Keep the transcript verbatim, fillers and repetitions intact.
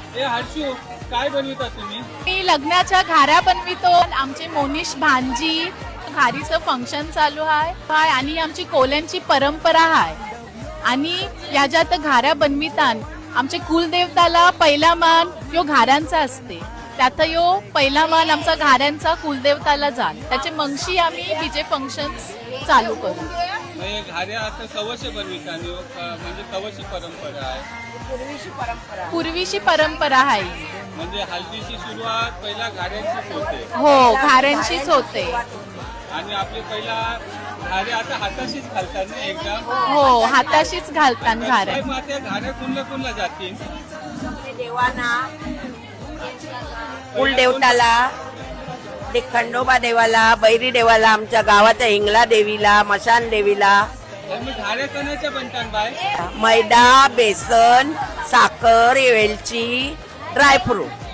ए हर्षू, काय बनविता तुम्ही? मी लग्नाच्या घाऱ्या बनवितो. आमचे मोनिश भांजी घारीचं फंक्शन चालू आहे आणि आमची कोल्यांची परंपरा आहे आणि याच्यात घाऱ्या बनवितान आमचे कुलदेवताला पहिला मान यो घाऱ्यांचा असते. त्यात यो पहिला मान आमचा घाऱ्यांचा कुलदेवताला जाल. त्याचे मंगशी आम्ही तिचे फंक्शन चालू करू. घाऱ्या आता कवश बनविता म्हणजे कवशी परंपरा आहे. पूर्वीची परंपरा पूर्वीची परंपरा आहे. म्हणजे हल्दीची सुरुवात पहिला घाऱ्यांचीच होते. हो, घाऱ्यांचीच होते. आणि आपले पहिला घाऱ्या आता हाताशीच घालतात ना एकदम. हो, हाताशीच घालतात घाऱ्या. त्या घाऱ्या कुणला कुणला जातील? देवाना, कुलदेवताला, ते खंडोबा देवाला, बैरी देवाला, आमच्या गावाच्या हिंगला देवीला, मशान देवीला. घाऱ्या कणाच्या बनतात बाय? मैदा, बेसन, साखर, वेलची, ड्रायफ्रूट.